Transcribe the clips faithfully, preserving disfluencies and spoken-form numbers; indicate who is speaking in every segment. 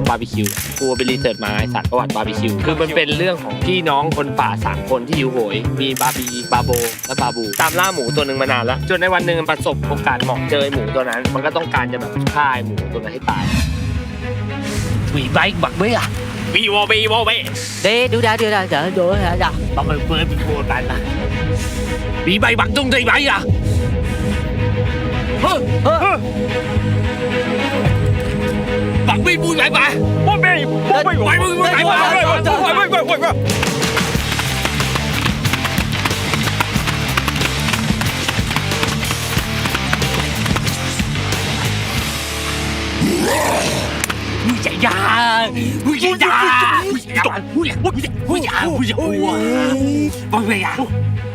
Speaker 1: บาร์บีคิวกูไปรีเสิร์ชมาไอสัตว์ประวัติบาร์บีคิวคือมันเป็นเรื่องของพี่น้องคนป่าสามคนที่อยู่โหยมีบาร์บีบาโบและบาบูตามล่าหมูตัวหนึ่งมานานแล้วจนในวันหนึ่งมันประสบโอกาสเหมาะเจอหมูตัวนั้นมันก็ต้องการจะแบบฆ่าหมูตัวนั้นให้ตายวีไบค์บักเบ้อะวีวอวีวอเบ้
Speaker 2: Đi, đưa ra, đưa ra, đưa ra, đưa ra, đưa.
Speaker 1: Bọn mình vừa bị vô tay mà bị bay bắn tung thì bay à hơ hơ bắn bi bui lại bà bắn bi bắn bi bắn bi lại bà bắn bi bắn bi Ui chạy ra, ui chạy ra, ui chạy ra, ui chạy ra, ui chạy ra, ui chạy ra, bơi về à?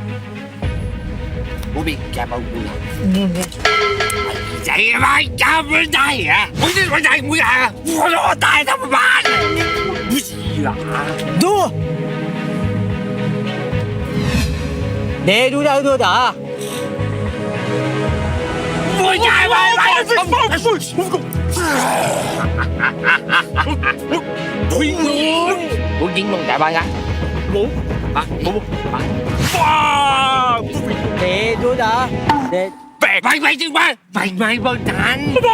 Speaker 1: Bố bị cha bao ui. Chạy bay cha bên đây à? Ui chạy bên đây ui à? Ui nó tay tao mà bán. Ui gì à?
Speaker 2: Đưa. Đi, đưa ra, đưa ra.
Speaker 1: Ui chạy bay bay. Ui ui. Bố dính luôn chạy bay ra. Bố. Bố bố bố. Wow.
Speaker 2: Đi, đưa ra. Đi.
Speaker 1: Bay bay bay chứ bay. Bay bay bay thành.
Speaker 2: Đi.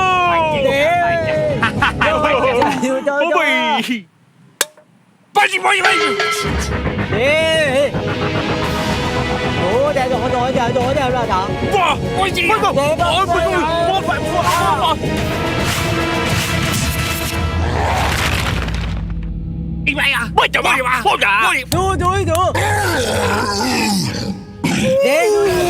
Speaker 2: Đưa cho cho.
Speaker 1: Bay đi bay bay.
Speaker 2: Đi. Ủa, để rồi rồi rồi rồi rồi rồi đó.
Speaker 1: Wow, ôi gì? Ôi ôi ôi ôi ôi ôi. Đi bay à? Bay trời bay à? Bay trời.
Speaker 2: Đưa đưa đưa. Đi.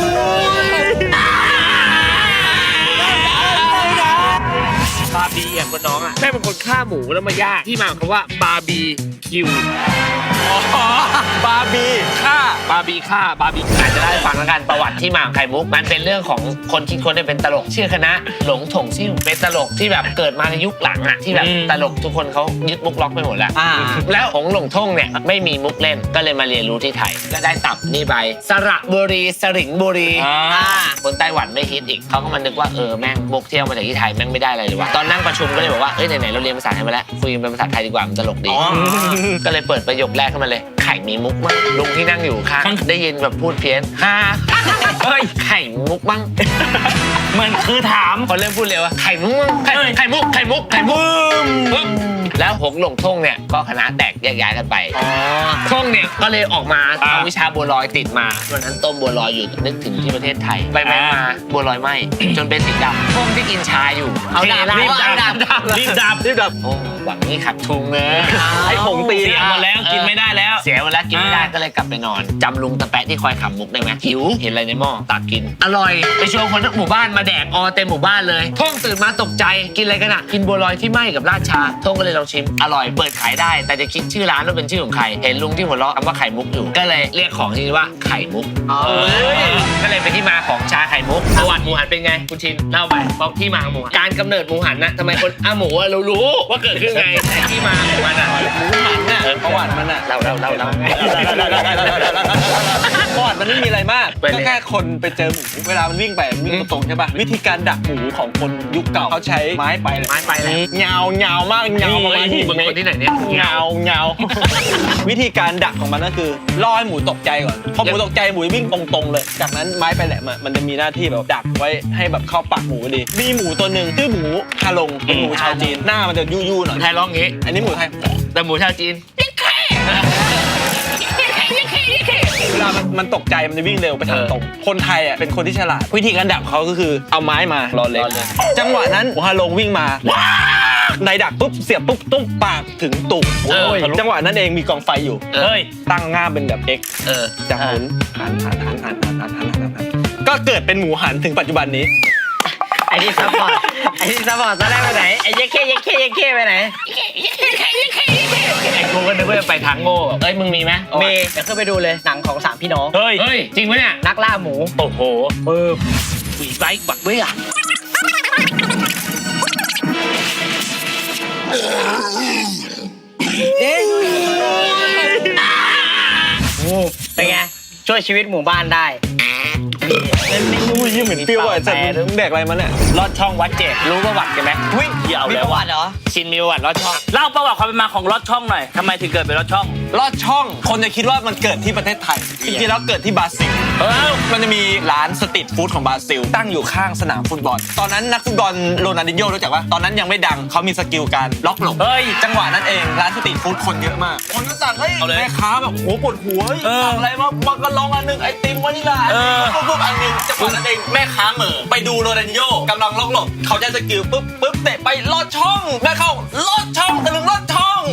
Speaker 1: บาร์บีอ่ะคนน้องอ่ะแม่เป็นคนฆ่าหมูแล้วมาย่างที่มาของคำว่าบาร์บีคิวอ๋อบาร์บีฆ่าบาร์บีฆ่าบาร์บีอาจจะได้ฟังแล้วกันประวัติที่มาของไข่มุกมันเป็นเรื่องของคนคิดคนได้เป็นตลกชื่อคณะหลงถงซิ่วเป็นตลกที่แบบเกิดมาในยุคหลังอ่ะที่แบบตลกทุกคนเขายึดมุกล็อกไปหมดแล้วแล้วหงหลงท่งเนี่ยไม่มีมุกเล่นก็เลยมาเรียนรู้ที่ไทยก็ได้ตับนี่ไปสระบุรีสริงบุรีคนไต้หวันไม่ฮิตอีกเขาก็มานึกว่าเออแม่งมุกเที่ยวมาจากที่ไทยแม่งไม่ได้อะไรเลยวะตอนนั่งประชุมก็เลยบอกว่าเอ้ยไหนๆเราเรียนภาษาไทยมาแล้วคุยเป็นภาษาไทยดีกว่ามันตลกดีก็เลยเปิดประโยคแรกขึ้นมาเลยไข่มีมุกมั้งลุงที่นั่งอยู่ข้างได้ยินแบบพูดเพี้ยนฮ่าเฮ้ยไข่มุกมั้งมันคือถามพอเริ่มพูดเร็วว่าไข่มุกมั้งไข่ไข่มุกไข่มุกไข่มุกแล้วหงหลงท่งเนี่ยก็คณะแตกแยกย้ายกันไปท่งเนี่ยก็เลยออกมาเอาวิชาบัวลอยติดมาวันนั้นต้มบัวลอยอยู่นึกถึงที่ประเทศไทยไปไปมาบัวลอยไหมจนเป็นสีดำท่งที่กินชาอยู่เอาดาบรีบดับรีบดับรีบดับโอ้หวังนี่ขัดทุงเนอะไอ้ผงตีเสียหมดแล้วกินไม่ได้แล้วเสียหมดแล้วกินไม่ได้ก็เลยกลับไปนอนจำลุงตะแปะที่คอยขำมุกได้ไหมหิวเห็นอะไรในหม้อตักกินอร่อยไปชวนคนทั้งหมู่บ้านมาแดกออเต็มหมู่บ้านเลยท่งตื่นมาตกใจกินอะไรกันอ่ะกินบัวลอยที่ไหม้กับราดชาท่งก็เลยลองชิมอร่อยเปิดขายได้แต่จะคิดชื่อร้านว่าเป็นชื่อของใครเห็นลุงที่หัวเราะคำว่าไข่มุกอยู่ก็เลยเรียกของที่ว่าไข่มุกก็เลยเป็นที่มาของชาไข่มุกประวัติหมูหันเป็นไงคุณชินเล่าไปบอกที่มาของหมูหันการกำเนิดหมูหันนะทำไมคนอ่ะหมูเรารู้ว่าเกิดขึ้นไงแต่ที่มาของมันอ่ะหมูหันน่ะประวัติมันอ่ะเราเราเราเรา
Speaker 3: ประวัติมันไม่มีอะไรมากก็แค่คนไปเจอหมูเวลามันวิ่งไปวิ่งตรงใช่ป่ะวิธีการดักหมูของคนยุคเก่าเขาใช้ไม้ไป
Speaker 1: ไม้ไปเลย
Speaker 3: เงาเงามากเงาประมาณที่
Speaker 1: มึงคนที่ไหนเนี่ย
Speaker 3: เงาเงาวิธีการดักของมันก็คือล่อให้หมูตกใจก่อนพอหมูตกใจหมูวิ่งตรงๆเลยจากนั้นไม้ไปแหลมมันจะมีหน้าที่แบบดักไว้ให้แบบเข้าปากหมูดีมีหมูตัวหนึ่งชื่อหมูฮาลงเป็นหมูชาวจีนหน้ามันจะยู่ๆหน่อย
Speaker 1: ไทยร้องงี้
Speaker 3: อันนี้หมูไทย
Speaker 1: แต่หมูชาวจีน
Speaker 3: เวลามันมันตกใจมันจะวิ่งเร็วไปทางตรงคนไทยอ่ะเป็นคนที่ฉลาดวิธีการดักเขาก็คือเอาไม้มารอเล็กจังหวะนั้นหมูฮาลงวิ่งมาในดักปุ๊บเสียบปุ๊บตุ้มปากถึงตุ่มจังหวะนั้นเองมีกองไฟอยู่เฮ้ยตั้งง่ามเป็นแบบ X
Speaker 1: เออ
Speaker 3: จะหมุนหันหันหันหันหันหันหันหันหันก็เกิดเป็นหมูหันถึงปัจจุบันนี้
Speaker 2: ไอ้นี่ซัพพอร์ตไอ้นี่ซัพพอร์ตตอนแรกไปไหนไอ้เย้เข้เย้เข้เย้เข้ไปไหน
Speaker 1: ไอ้กูก็นึกว่าจะไปทางโง่เอ้ยมึงมีไหม
Speaker 2: มีเดี๋ยวขึ้นไปดูเลยหนังของสามพี่น้อง
Speaker 1: เฮ้ยเฮ้ยจริงไหมเนี่ย
Speaker 2: นักล่าหมู
Speaker 1: โอ้โห
Speaker 2: ปึ๊บ
Speaker 1: วีไบค์บักเบ้อะ
Speaker 2: เด้งโอ้เป็นไงช่วยชีวิตหมู่บ้านได้
Speaker 3: อุ้ยเหมือนเปรี้ยวอ่ะจัดมึงแดกอะไรมาเนี่ย
Speaker 2: ลอดช่องวัดเจดรู้ประวัติกันไหม
Speaker 3: อุ้ย
Speaker 2: เดี๋ยว
Speaker 4: มี
Speaker 2: แล้
Speaker 4: ป
Speaker 2: ว
Speaker 4: ระวัติเหรอ
Speaker 2: ชินมีประวัติลอดช่อง
Speaker 4: เล่าประวัติความเป็นมาของลอดช่องหน่อยทำไมถึงเกิดเป็นลอดช่อง
Speaker 3: ลอดช่องคนจะคิดว่ามันเกิดที่ประเทศไทยจริงๆแล้วเกิดที่บราซิล
Speaker 2: เออ
Speaker 3: มันจะมีร้านสตรีทฟู้ดของบราซิลตั้งอยู่ข้างสนามฟุตบอลตอนนั้นนักฟุตบอลโรนัลดินโญ่รู้จักว่าตอนนั้นยังไม่ดังเขามีสกิลการล็อกหลบ
Speaker 2: เฮ้ย
Speaker 3: จังหวะนั้นเองร้านสตรีทฟู้ดคนเยอะมากคนก็สั่งเฮ้ย
Speaker 2: เอาเลย
Speaker 3: แม่ค้าแบบโอ้โหปวดหัว
Speaker 2: เออ
Speaker 3: สั่งอะไรมาบักกะลองอันหนึงไอติมวานิลา
Speaker 2: เออ
Speaker 3: ปุ๊บปุ๊บอันหนึงจังหวะนั้นเองแม่ค้าเหม่อไปดูโรนัลดินโญ่กำลังล็อกหลบเขาจะสกิลปุ๊บปุ๊บเตะไปลอดช่องแม่เข้าลอดช่องตะลึงลอดช่อง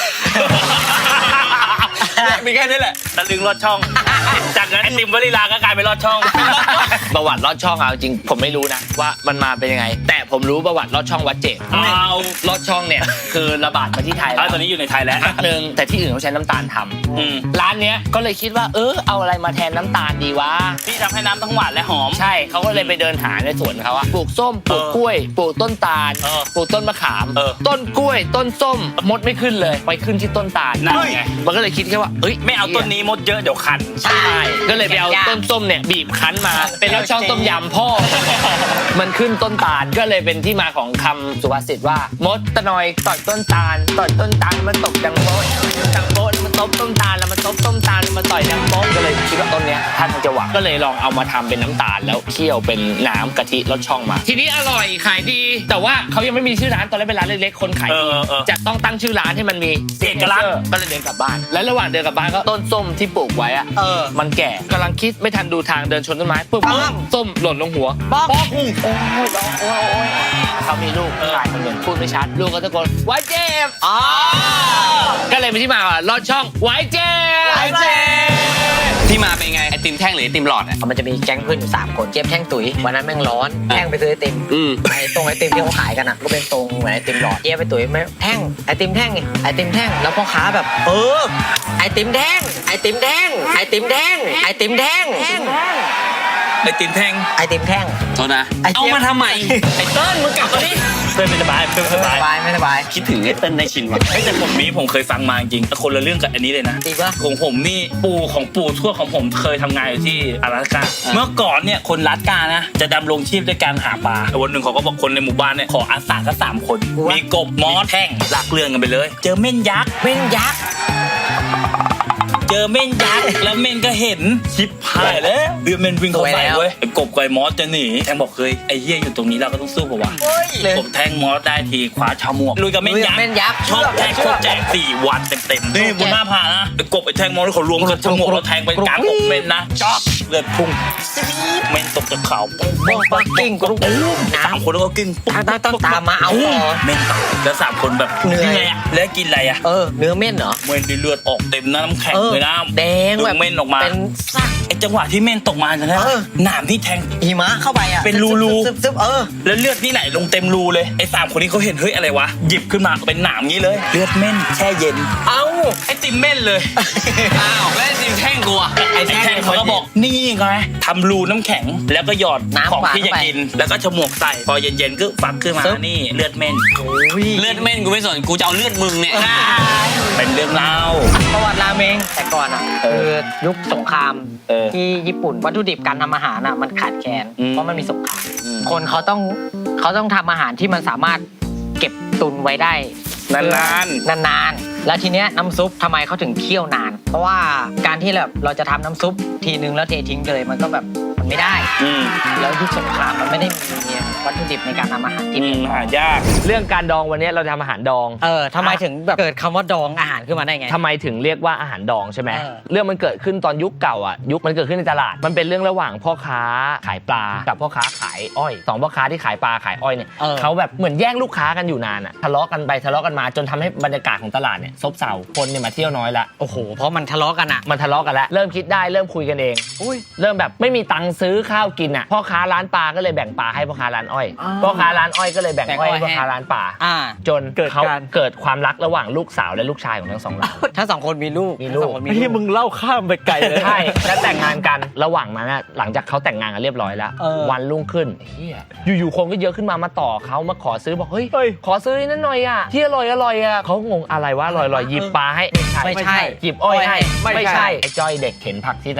Speaker 3: เนี่ยมีแค่นี้แหละ
Speaker 2: ตะลึงลอดช่อง จากนั้นไอติมวานิลาก็กลายเป็นลอดช่อง ประวัติลอดช่องเอาจริงผมไม่รู้นะว่ามันมาเป็นยังไง แต่ผมรู้ประวัติลอดช่องวัดเจด
Speaker 4: เอา
Speaker 2: ลอดช่องเนี่ยคือระบาดมาที่ไทย
Speaker 4: แล้
Speaker 2: แล้ว ว
Speaker 4: ตอนนี้อยู่ในไทยแล้ว
Speaker 2: พักหนึ่งแต่ที่อื่นเขาใช้น้ำตาลท
Speaker 4: อืม
Speaker 2: ำร้านเนี้ยก็เลยคิดว่าเออเอาอะไรมาแทนน้ำตาลดีวะ
Speaker 4: ที่ทำให้น้ำทั้งหวานและหอม
Speaker 2: ใช่เขาก็เลยไปเดินหาในสวนเขาอะปลูกส้มปลูก
Speaker 4: เออ
Speaker 2: กล้วยปลูกต้นตาล
Speaker 4: เออ
Speaker 2: ปลูกต้นมะขาม
Speaker 4: เออ
Speaker 2: ต้นกล้วย ต้นส้มมดไม่ขึ้นเลยไปขึ้นที่ต้นตาล
Speaker 4: นั่นไง
Speaker 2: มันก็เลยคิดแค่ว่าเอ้ย
Speaker 4: ไม่เอาต้นนี้มดเยอะเดี๋ยวคัน
Speaker 2: ใช่ก็เลยไปเอาต้นส้มเนี่ยบีบคั้นมา เป็นรสช่องต้มยำพ่อ มันขึ้นต้นตาลก็เลยเป็นที่มาของคำสุภาษิตว่ามดตะนอยต่อยต้นตาลต่อยต้นตาลมันตกดังโป๊ะดังโป๊ะมันตบต้นตาลแล้วมันตบต้นตาลแล้วมันต่อยดังโป๊ะก็เลยคิดว่าต้นเนี้ยท่านจะหวังก็เลยลองเอามาทำเป็นน้ำตาลแล้วเคี่ยวเป็นน้ำกะทิรสช่องมา ทีนี้อร่อยขายดี แต่ว่าเขายังไม่มีชื่อร้านตอนแรกเป็นร้านเล็กๆคนขาย
Speaker 4: เอ
Speaker 2: ดี
Speaker 4: อเออ
Speaker 2: จะต้องตั้งชื่อร้านให้มันมี
Speaker 4: เอกลักษณ์
Speaker 2: ก็เลยเดินกลับบ้าน และระหว่างเดินกลับบ้านก็ต้นส้มที่ปลูกไว้อะ
Speaker 3: เออ
Speaker 2: มันแก่กำลังคิดไม่ทันดูทางเดินชนต้นไม้ปุ๊บ
Speaker 3: ปั๊บ
Speaker 2: ส้มหล่นลงหัว
Speaker 3: ป๊อก
Speaker 2: โอ้ยร้องโอ้ยโอ้ยเขามีลูกชายคนหนึ่งพูดไม่ชัดลูกก็ตะโกนไว้เจ็บ
Speaker 3: อ๋อ
Speaker 2: ก็เลยเป็นที่มาว่าลอดช่องไว้เจ็บ
Speaker 3: ไว้เจ็บ
Speaker 5: ที่มาเป็นไงไอติมแท่งหรือไอติมหลอดอ่ะ
Speaker 6: มันจะมีแก๊งเพื่อนอยู่สามคนเจี๊ยบแท่งตุ๋ยวันนั้นแม่งร้อนแท่งไปซื้อไอติม
Speaker 5: อืม
Speaker 6: ไอตรงไอติมที่เขาขายกันอ่ะก็เป็นตรงเหมือนไอติมหลอดเจี๊ยบไปตุ๋ยไม่แท่งไอติมแท่งไงไอติมแท่งแล้วพ่อค้าแบบ เออไอติมแท่งไอติมแท่งไอติมแท่งไอติมแท่ง
Speaker 5: ไอติมแท่ง
Speaker 6: ไอติมแท่ง
Speaker 5: โทษนะ
Speaker 6: ไอ
Speaker 5: เอา
Speaker 6: เจี๊ยบ
Speaker 5: มาทำไม
Speaker 6: ไอเติ้ลมึงกลับมาดิ
Speaker 4: เพื่อนไม่สบายเพื่อนไม่สบาย
Speaker 6: สบายไม่สบาย
Speaker 5: คิดถึงไอเติ้ลในชินว่ะ
Speaker 4: เฮ้ยแต่ผมนี้ผมเคยฟังมาจริงแต่คนละเรื่องกับอันนี้เลยนะ
Speaker 6: จริงปะ
Speaker 4: ของผมนี่ปู่ของปู่ทวดของผมเคยทำงานอยู่ที่阿拉斯加เมื่อก่อนเนี่ยคนรัสกานะจะดำรงชีพด้วยการหาปลาแต่วันหนึ่งเขาก็บอกคนในหมู่บ้านเนี่ยขออาสาสักสามคน มีกบมอสแท่งลากเรื่องกันไปเลย เจอเม่นยักษ์
Speaker 6: เม่นยักษ์
Speaker 4: เจอเม่นยักษ์แล้วเม่นก็เห็นชิปหายแล้วเดือเม่นวิ่งเข้าใส่เว้ยไอ้กบกับไอ้มอสจะหนีแทงบอกเคยไอ้เหี้ยอยู่ตรงนี้เราก็ต้องสู้ป่าวะ
Speaker 6: เลย
Speaker 4: ผมแทงมอสได้ทีขวาชาวหมวกลุยกับเม่นยักษ์
Speaker 6: เม่นยักษ์
Speaker 4: ชอบแทงโคตรแจกสี่วันเต็มๆนี่บนหน้าผานะไอ้กบไอ้แทงมอสเขารวมกันชาวหมวกเราแทงไปกลางอกเม่นนะจ๊อกเลือดพุ่งเม่นตกจากเขาปุ๊บ
Speaker 6: บ้องปักกิ้งกรุ๊ป
Speaker 4: สามคนแล้วก็กิ้งปุ๊บ
Speaker 6: ต้องต้องตามมาเอาต่อ
Speaker 4: เม่นตายแล้วสามคนแบบ
Speaker 6: เหนื่อย
Speaker 4: ไงอะแล้วกินอะไรอะ
Speaker 6: เออเนื้อเม่นเหรอ
Speaker 4: เม่นได้เลือดออกเต็มหน้าน้ำแข็ง
Speaker 6: เออ
Speaker 4: เลยนะ
Speaker 6: แดงแบบ
Speaker 4: ดึเม่นออกมา
Speaker 6: เป็นซัก
Speaker 4: ไอ้จังหวะที่เม่นตกมาใช่ไหม
Speaker 6: เออ
Speaker 4: หนามที่แทง
Speaker 6: หิมะเข้าไปอ่ะ
Speaker 4: เป็นรูๆ
Speaker 6: ซึบซึบๆเออ
Speaker 4: แล้วเลือดนี่ไหลลงเต็มรูเลยไอ้สามคนนี้เขาเห็นเฮ้ยอะไรวะหยิบขึ้นมาเป็นหนามงี้เลย เลือดเม่นแช่เย็น
Speaker 6: เอ้า
Speaker 4: ไอติมเม่นเลย
Speaker 5: อ้าวแล้วไอติมแท่งกูอ่ะ
Speaker 4: ไอ้แทงเขาก็บอกนี่ไงทำรูน้ำแข็งแล้วก็หยอด
Speaker 6: น้ำ
Speaker 4: ของ
Speaker 6: หวาน
Speaker 4: ที่จะ
Speaker 6: เข้าไป
Speaker 4: กิน แล้วก็ฉมวกใส่พอเย็นๆก็ฟักขึ้นมา
Speaker 6: ซึบ
Speaker 4: นี่เลือดเม่น
Speaker 5: เลือดเม่นกูไม่สนกูจะเอาเลือดมึงเนี่ย
Speaker 4: เป็นเรื่องเล่า
Speaker 6: ประวัติราเมงแต่ก่อนอ่ะคือยุคสงคราม
Speaker 4: เออ
Speaker 6: ที่ญี่ปุ่นวัตถุดิบการทำอาหารอ่ะมันขาดแคลน
Speaker 4: อืม
Speaker 6: เพราะมันมีสงครามคนเขาต้องเขาต้องทำอาหารที่มันสามารถเก็บตุนไว้ได้
Speaker 4: นาน
Speaker 6: นานๆแล้วทีเนี้ยน้ำซุปทำไมเขาถึงเคี่ยวนาน เพราะว่าการที่แบบเราจะทำน้ำซุปทีนึงแล้วเททิ้งเลยมันก็แบบมันไม่ได้
Speaker 4: ๆอืม
Speaker 6: แล้วยุคสงครามมันไม่ได้มีวัตถุดิบในการทำอาหารที่
Speaker 4: อื
Speaker 6: เพี
Speaker 4: ม
Speaker 6: ยงพอ
Speaker 4: หายาก
Speaker 2: เรื่องการดองวันนี้เราจะทำอาหารดอง
Speaker 6: เออทำไมถึงแบบเกิดคำว่าดองอาหารขึ้นมาได้ไง
Speaker 2: ทำไมถึงเรียกว่าอาหารดองใช่ไหม
Speaker 6: เออ
Speaker 2: เรื่องมันเกิดขึ้นตอนยุคเก่าอ่ะยุคมันเกิดขึ้นในตลาด มันเป็นเรื่องระหว่างพ่อค้าขายปลากับพ่อค้าขายอ้อยสองพ่อค้าที่ขายปลาขายอ้อยเนี่ย
Speaker 6: เออ
Speaker 2: เขาแบบเหมือนแย่งลูกค้ากันอยู่นานอ่ะทะเลาะกันไปทะเลาะกันมาจนทำให้บรรยากาศของตลาดเนี่ยซบเซาคนเนี่ยมาเที่ยวน้อยละ
Speaker 6: โอ้โหเพราะมันทะเลาะกันอ่ะ
Speaker 2: มันทะเลาะกันแล้วเริ่มคิดได้เริ่มคุยกันเองเริ่มแบบไม่มีตังค์ซื้อข้าวกินอ่ะพ่อค้าร้านปลาก็เลยแบ่งปลาให้พ่อค้าร้านอ้อย
Speaker 6: อ๋อ
Speaker 2: พ่อค้าร้านอ้อยก็เลยแบ่ง
Speaker 6: แบ่ง
Speaker 2: อ้อยให้
Speaker 6: อ้อย
Speaker 2: พ่อค้าร้านปลา
Speaker 6: อ่า
Speaker 2: จน
Speaker 3: เกิด
Speaker 2: เขา
Speaker 3: การ
Speaker 2: เกิดความรักระหว่างลูกสาวและลูกชายของทั้งสองหลัง
Speaker 6: ถ้าสองคนมีลูก
Speaker 2: มีลูก
Speaker 6: ทั้งสองคนมี
Speaker 3: ที่
Speaker 6: ลูก
Speaker 3: มึงเล่าข้ามไปไกลเลย
Speaker 2: ใช่แล้วแต่งงานกันระหว่างนั้นอะหลังจากเขาแต่งงานกันเรียบร้อยแล้ว
Speaker 6: เออ
Speaker 2: วันรุ่งขึ้นเฮียอยู่ๆคนก็เยอะขึ้นมามาต่อเขามาขอซื้อบอกเฮ้ย
Speaker 3: เฮ้ย
Speaker 2: ขอซื้อนี่นั่นหน่อยอะที่อร่อยอร่อยอะเขางงอะไรวะอร่อยอร่อยหยิบปลาให้
Speaker 6: ไม่ใช่
Speaker 2: หยิบอ้อยให้
Speaker 3: ไม่ใช่
Speaker 2: ไอ้จ้อยเด็กเข็นผักที่ตลาด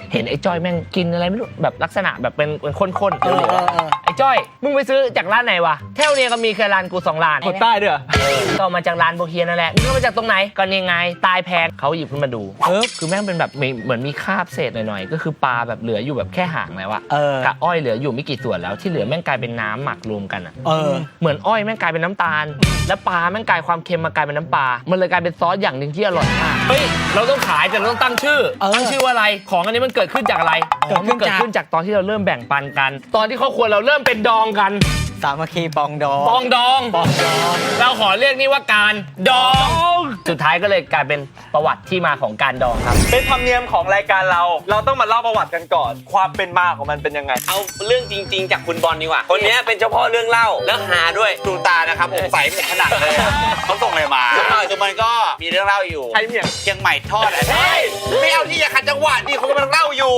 Speaker 2: เห็นไอ้จ้อยแม่งกินอะไรไม่รู้แบบลักษณะแบบเป็นเป็นข้นๆ
Speaker 6: เอ
Speaker 2: เหล
Speaker 6: อ
Speaker 2: ว
Speaker 6: เออเออ
Speaker 2: ๆไอ้จ้อยมึงไปซื้อจากร้านไหนวะแถวเนี้ยก็มีแค่ร้านกูสองร้าน
Speaker 3: คนใต้ด้วยเหรอ
Speaker 2: ก็เอามาจากร้านโบเฮียนั่นแหละมึงเอามาจากตรงไหนก็นี่ไงตายแพงเขาหยิบขึ้นมาดูเออคือแม่งเป็นแบบมีเหมือนมีคราบเศษหน่อยๆก็คือปลาแบบเหลืออยู่แบบแค่หางแล้วอะ
Speaker 6: เออ
Speaker 2: กับอ้อยเหลืออยู่ไม่กี่ส่วนแล้วที่เหลือแม่งกลายเป็นน้ำหมักรวมกันอะ
Speaker 6: เออ
Speaker 2: เหมือนอ้อยแม่งกลายเป็นน้ำตาล แล้วปลาแม่งกลายความเค็มมากลายเป็นน้ำปลา มันเลยกลายเป็นซอสอย่างหนึ่งที่อร่อยมาก เฮ้ย เราต้องขายแต่เราต้องตั้งชื่อ
Speaker 6: เออ
Speaker 2: ตั้งชื่อว่าอะไร ของอันนี้มันเกิดขึ้นจากอะไร
Speaker 6: เกิดขึ้น
Speaker 2: มันเกิด
Speaker 6: จาก
Speaker 2: ขึ้นจากตอนที่เราเริ่มแบ่งปันกัน ตอนที่ครอบครัวเราเริ่มเป็นดองกัน
Speaker 6: สามัคคีปองดอง
Speaker 2: ปองดอง
Speaker 6: ปองดอง
Speaker 2: เราขอเรียกนี่ว่าการดอง สุดท้ายก็เลยกลายเป็นประวัติที่มาของการดองครับ
Speaker 3: เป็นธรรมเนียมของรายการเรา เราต้องมาเล่าประวัติกันก่อน ความเป็นมาของมันเป็นยังไง
Speaker 5: เอาเรื่องจริง ๆ จากคุณบอลดีกว่า คนนี้เป็นเจ้าพ่อเรื่องเล่าแล้วหาด้วยดูตานะครับผมใส่ขนาดเลยอะเขาส่งอะไรมาคือมันก็มีเรื่องเล่าอยู่
Speaker 3: ใครเนี่ย
Speaker 5: เชียงใหม่ทอดอ่ะเฮ้ยไม่เอาที่อย่าขัดจังหวะดิเขากำลังเล่าอยู่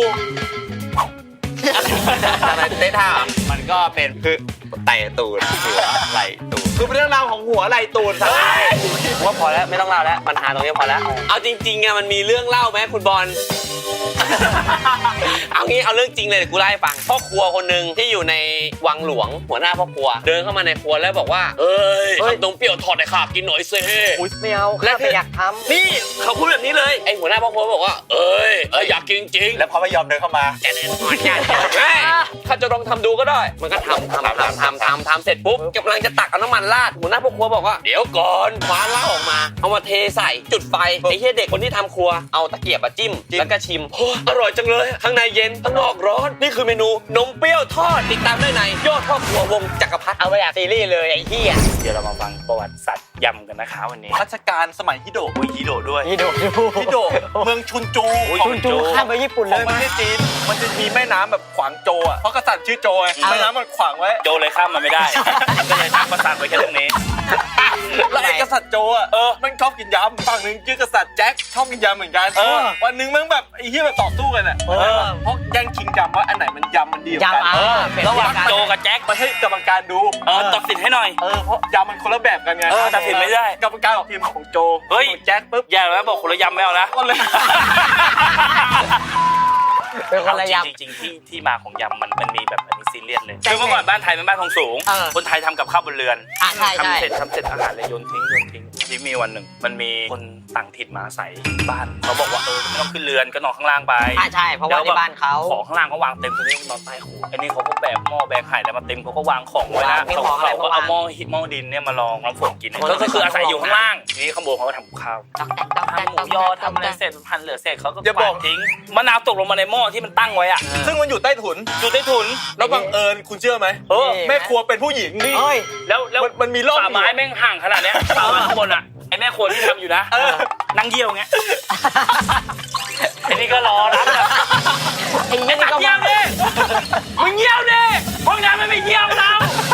Speaker 5: อะไรเต้ท่ามันก็เป็นคือไต่ตูนหัวไหลตูนคือเป็นเรื่องราวของหัวไหลตูนครับว่าพอแล้วไม่ต้องเล่าแล้วปัญหาตรงนี้พอแล้วเอาจริงๆอะมันมีเรื่องเล่าไหมคุณบอล เอางี้เอาเรื่องจริงเลยเดี๋ยวกูเล่าให้ฟังพ่อครัวคนหนึ่งที่อยู่ในวังหลวงหัวหน้าพ่อครัวเดินเข้ามาในครัวแล้วบอกว่าเอ้ยทำนมเปรี้ยวทอดให้ข้ากินหน่อยเซ่
Speaker 6: อุ๊ยไม่เอาข้าไม่อยากทำ
Speaker 5: นี่เขาพูดแบบนี้เลยไอหัวหน้าพ่อครัวบอกว่าเอ้ยเอ้ยอยากกินจริง
Speaker 3: แล้วพอไม่ยอมเดินเข้ามา
Speaker 5: แน่นอนแม่ข้าจะลองทำดูก็ได้ มันก็ทำทำทำทำทำทำเสร็จปุ๊บกำลังจะตักเอาน้ำมันราดหัวหน้าพ่อครัวบอกว่าเดี๋ยวก่อนคว้าเหล้าออกมาเอามาเทใส่จุดไฟไอ้เหี้ยเด็กคนที่ทำครัวเอาตะเกียบมาจิ้มแล้วก็ชิมโอ้อร่อยจังเลยข้างในเย็นข้างนอกร้อนนี่คือเมนูนมเปรี้ยวทอดติดตามได้ในยอดพ่อครัววงจักรพรรดิ
Speaker 6: เอาไปอยากซีรีส์เลยไอ้เหี้ย
Speaker 4: เดี๋ยวเรามาฟังประวัติศาสตร์ยำกันนะคะวันนี้
Speaker 3: รัชกาลสมัยฮิโดะ
Speaker 4: อุ้ยฮิโดะด้วย
Speaker 6: นี่ดูดู
Speaker 3: ฮิโดะเมืองชุนจู
Speaker 6: ชุนจูข้ามไปญี่ปุ่น
Speaker 3: ข
Speaker 6: เล
Speaker 3: อง
Speaker 6: ย
Speaker 3: ประเทศจีน มันจะมีแม่น้ำแบบขวางโจอ่ะ เพราะกษัตริย์ชื่อโจไงแม่น้ำมันขวางไว้
Speaker 4: โจเลยข้ามมาไม่ได้ ก็เลยตั้งประสาทไว้แค่ตรงนี้
Speaker 3: แล้วไอ้กษัตริย์โจอ่ะ เออ มันชอบกินยำ ฝั่งหนึ่งชื่อกษัตริย์แจ็คชอบกินยำเหมือนกัน
Speaker 4: เออ
Speaker 3: วันหนึงมันแบบไอ้เหี้ยแบบต่อสู้กันอ่ะ
Speaker 6: เออ
Speaker 3: เพราะแย่งชิงยำว่าอันไหนมันยำมันดีกว่ากั
Speaker 6: ยำอ่ะ
Speaker 4: เออ
Speaker 6: เป็น
Speaker 4: ระหว่าง
Speaker 6: การ
Speaker 4: โจกับแจ็ค
Speaker 3: มันให้กรรมการดู
Speaker 4: เออตัดสินให้หน่อย
Speaker 3: เออ เพราะยำมันคนละแบบกันไง
Speaker 4: เออตัดสินไม่ได้
Speaker 3: กรรมการออกทีมของโจ
Speaker 4: เฮ้ย
Speaker 3: ของแจ็คปุ๊บ
Speaker 4: อย่าแล้วบอกคนละยำไม่เอานะ
Speaker 3: ก็เลย
Speaker 6: เป็นคนละยำ
Speaker 4: จริงๆที่ที่มาของยำมันมันมีแบบอันนี้ซีเรียสเลยคือเมื่อก่อนบ้านไทยเป็นบ้านทองสูง
Speaker 6: เออ
Speaker 4: คนไทยทำกับข้าวบนเรือน
Speaker 6: อ่ะใช่ใช่
Speaker 4: ทำเสร็จทำเสร็จอาหารเลยโยนทิ้งโยนทิ้งที่มีวันหนึ่งมันมีคนต่างถิ่นมาอาศัยบ้านเขาบอกว่าเออไม่ต้องขึ้นเรือนก็นอนข้างล่างไป
Speaker 6: อ่ะใช่เพราะว่าที่บ้านเขา
Speaker 4: ของข้างล่างเขาวางเต็มตรงนี้นอนใต้หูไอ้นี่เขาก็แบกหม้อแบกไข่แล้วมาเต็มเขาก็วางของไว้นะ
Speaker 6: มี
Speaker 4: เขา
Speaker 6: ของอะไร
Speaker 4: เขาก็
Speaker 6: มาวาง
Speaker 4: เอาหม้อหินหม้อดินเนี่ยมาลองน้ำฝนกิน
Speaker 6: คนละ
Speaker 4: ก็คืออาศัยอยู่
Speaker 6: ของ
Speaker 4: ข้างล่างทีนี้ข้างบนเขาก็ทำกับข้าว
Speaker 6: ตอกแตกตอกแตก
Speaker 4: ทำหมูยอทำอะไรเสร็จพันเหลือเสร็จเขาก็
Speaker 3: อย่าบอก
Speaker 4: วางทิ้งมะนาวตกลงมาในหม้อที่มันตั้งไว้อะ
Speaker 3: ซึ่งมันอยู่ใต้ถุน
Speaker 4: อยู่ใต้ถุน
Speaker 3: แล้วบังเอิญคุณเชื่อไหม
Speaker 4: เออ
Speaker 3: แม่ครัวเป็นผู้หญิงนี่
Speaker 6: เฮ้ย
Speaker 4: แล้วแล้ว
Speaker 3: มันมันมีร่อง
Speaker 4: ฝาไม้แม่งห่างขนาดเนี้ยฝาไม้ข้างบนอะไอ้แม่ครัวที่ทำอยู่นะ
Speaker 3: เออ
Speaker 4: นั่งเยี่ยวไงไอ้นี่ก็รอรับแบบ
Speaker 6: ไอ้เหี้ยนี่ก็
Speaker 4: เยี่ยวดิมึงเยี่ยวดิห้องน้ำมันไม่เยี่ยวเรา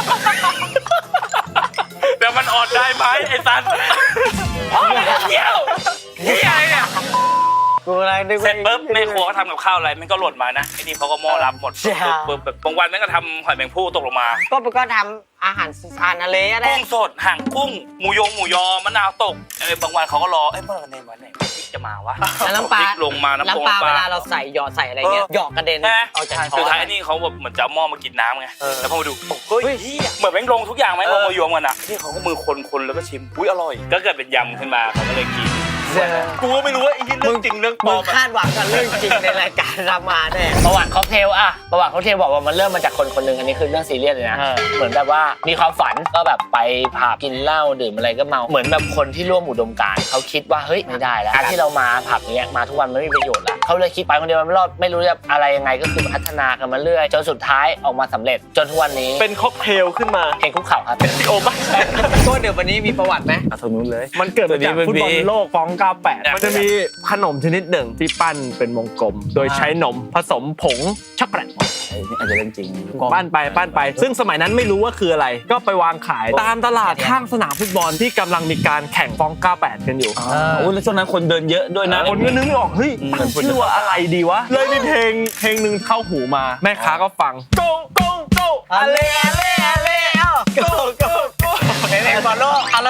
Speaker 4: เดี๋ยวมันอดได้ไหมไอ้สันห้องน้ำเยี่ยวเยี่ยอะไรเนี่ย
Speaker 6: กูอะไรนึก
Speaker 4: เสร็จปุ๊บแม่ครัวก็ทำกับข้าวอะไรมันก็หล่นมานะไอ้นี่เขาก็หม้อรับหมดปุ๊บปุ๊บแบบบางวันแม่งก็ทำหอยแมงภู่ตกลงมา
Speaker 6: ก็ก็ทำอาหารอาหารทะเลอะไร
Speaker 4: กุ้งสดห่างกุ้งหมูยงหมูยอมะนาวตกเอ้ยบางวันเขาก็รอเอ้ยเมื่อวันไหนวันไหนพริกจะมาวะ
Speaker 6: แล้วน้ำปลา
Speaker 4: พริกลงมาน้ำปลา
Speaker 6: น้ำปลาเวลาเราใส่หยอดใส่อะไรเงี้ยหยอกกระเด็น
Speaker 4: ใช่ไหม
Speaker 6: เอาจากช้
Speaker 4: สุด
Speaker 6: อน
Speaker 4: ท้ายไอ้นี่เขาแบบเหมือนจะเอาหม้อมากินน้ำไงแล้วพอมาดู
Speaker 6: เฮ้ย
Speaker 4: เหมือนแม่งลงทุกอย่างแม่งลงมายมกันอ่ะนี่เขาก็มือคนคนแล้วก็ชิมอุ้ยอร่อย ก็เกิดเป็นยำขึ้นมาเขาก็เลยกิน
Speaker 3: กูก็ไม่รู้ว่าไอ้ที่เรื่องจริงเรื่องปล
Speaker 6: มึ
Speaker 3: อง มอะ
Speaker 6: คาดหวังกับเรื่องจริงในรายการรามาแน่
Speaker 2: ประวัติค็อกเทลอะประวัติค็อกเทลบอกว่ามันเริ่มมาจากคนคนหนึ่งอันนี้คือเรื่องซีเรียสเลยนะ
Speaker 6: เออ
Speaker 2: เหมือนแบบว่ามีความฝันก็แบบไปผับกินเหล้าดื่มอะไรก็เมา เหมือนแบบคนที่ร่วมอุดมการณ์เขาคิดว่าเฮ้ยไม่ได้แล้วการที่เรามาผับเนี้ยมาทุกวันมันไม่มีประโยชน์ละเขาเลยคิดไปคนเดียวมันไม่รอดไม่รู้จะอะไรยังไงก็คือพัฒนากันมาเรื่อยจนสุดท้ายออกมาสำเร็จจนทุกวันนี้
Speaker 3: เป็นค็อกเทลขึ้นมา
Speaker 2: เพลงคุกเข่าครับ
Speaker 3: โอ้ไม่ใช่
Speaker 6: ก็เดี๋ยววันนี้มีประวัติไหม
Speaker 3: ตรงนู้นเลย มันเกิดมาจากฟุตบอลโลกฟองเก้าแปดมันจะมีขนมชนิดหนึ่งที่ปั้นเป็นวงกลม โดยใช้นมผสมผงช็อกโกแลต
Speaker 2: อาจจะเรื่องจริง
Speaker 3: ปั้นไปปั้นไป ซึ่งสมัยนั้นไม่รู้ว่าคืออะไร ก็ไปวางขายตามตลาดข้างสนามฟุตบอลที่กำลังมีการแข่งฟองเก้าแปดกันอยู่
Speaker 5: โอ้แล้วช่วงนั้นคนเดินเยอะด้วยนะ
Speaker 3: คนก็นึกไม่ออกเฮ้ยตั้งชื่อว่าอะไรดีวะ เลยมีเพลงเพลงหนึ่งเข้าหูมา แม่ค้าก็ฟัง go go go
Speaker 6: อะเลอะเลอะเลเอ้าโกโกโกเพลงบอลโลกเอาแล้ว